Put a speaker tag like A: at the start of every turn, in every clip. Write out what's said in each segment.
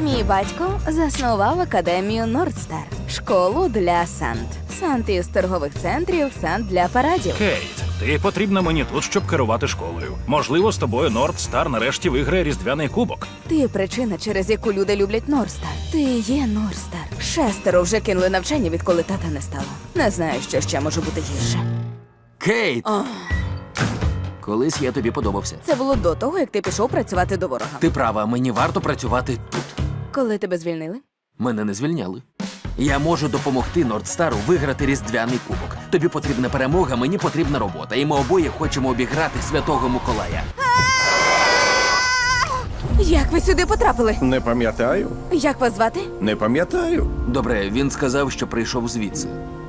A: Мій батько заснував академію Нордстар, школу для Сант. Сант із торгових центрів, Сант для парадів.
B: Кейт, ти потрібна мені тут, щоб керувати школою. Можливо, з тобою Нордстар нарешті виграє різдвяний кубок.
A: Ти причина, через яку люди люблять Нордстар. Ти є Нордстар. 6 вже кинули навчання, відколи тата не стало. Не знаю, що ще може бути гірше.
C: Кейт! Колись я тобі подобався.
A: Це було до того, як ти пішов працювати до ворога.
C: Ти права, мені варто працювати тут.
A: Коли тебе звільнили?
C: Мене не звільняли. Я можу допомогти Нордстару виграти різдвяний кубок. Тобі потрібна перемога, мені потрібна робота. І ми обоє хочемо обіграти Святого Миколая.
A: Як ви сюди потрапили?
D: Не пам'ятаю.
A: Як вас звати?
D: Не пам'ятаю.
C: Добре, він сказав, що прийшов звідси.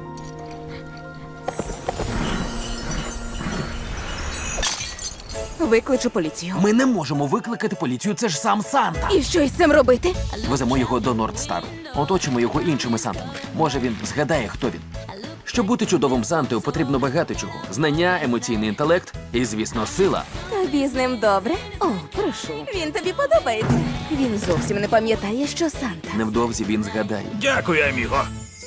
A: Викличу поліцію.
C: Ми не можемо викликати поліцію, це ж сам Санта.
A: І що із цим робити?
C: Веземо його до Нордстару. Оточимо його іншими Сантами. Може, він згадає, хто він. Щоб бути чудовим Сантою, потрібно багато чого. Знання, емоційний інтелект і, звісно, сила.
A: Тобі з ним добре? О, прошу. Він тобі подобається. Він зовсім не пам'ятає, що Санта.
C: Невдовзі він згадає.
B: Дякую, аміго.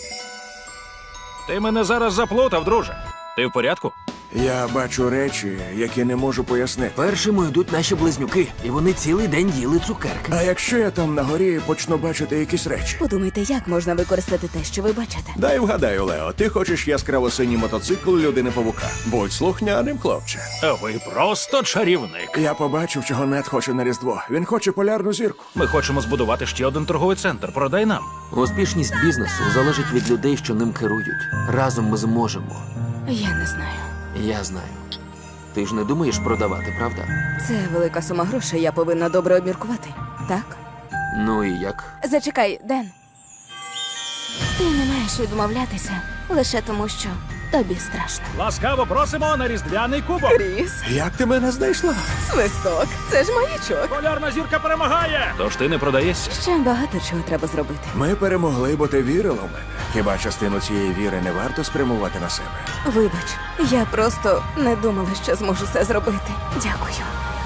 B: Ти мене зараз заплутав, друже. Ти в порядку?
D: Я бачу речі, які не можу пояснити.
C: Першими йдуть наші близнюки, і вони цілий день їли цукерки.
D: А якщо я там на горі почну бачити якісь речі?
A: Подумайте, як можна використати те, що ви бачите.
D: Дай вгадаю, Лео, ти хочеш яскраво-синій мотоцикл людини-павука. Будь слухняним, хлопче.
B: Ви просто чарівник.
D: Я побачив, чого Нед хоче на Різдво. Він хоче полярну зірку.
B: Ми хочемо збудувати ще один торговий центр. Продай нам.
C: Успішність бізнесу залежить від людей, що ним керують. Разом ми зможемо.
A: Я не знаю.
C: Я знаю. Ти ж не думаєш продавати, правда?
A: Це велика сума грошей, я повинна добре обміркувати. Так?
C: Ну і як?
A: Зачекай, Ден. Ти не маєш відмовлятися лише тому, що тобі страшно.
B: Ласкаво просимо на різдвяний кубок.
A: Кріс,
D: Як ти мене знайшла?
A: свисток, це ж маячок.
B: Полярна зірка перемагає. Тож ти не продаєшся.
A: Ще багато чого треба зробити.
D: Ми перемогли, бо ти вірила в мене. Хіба частину цієї віри не варто спрямувати на себе?
A: Вибач, я просто не думала, що зможу це зробити. Дякую.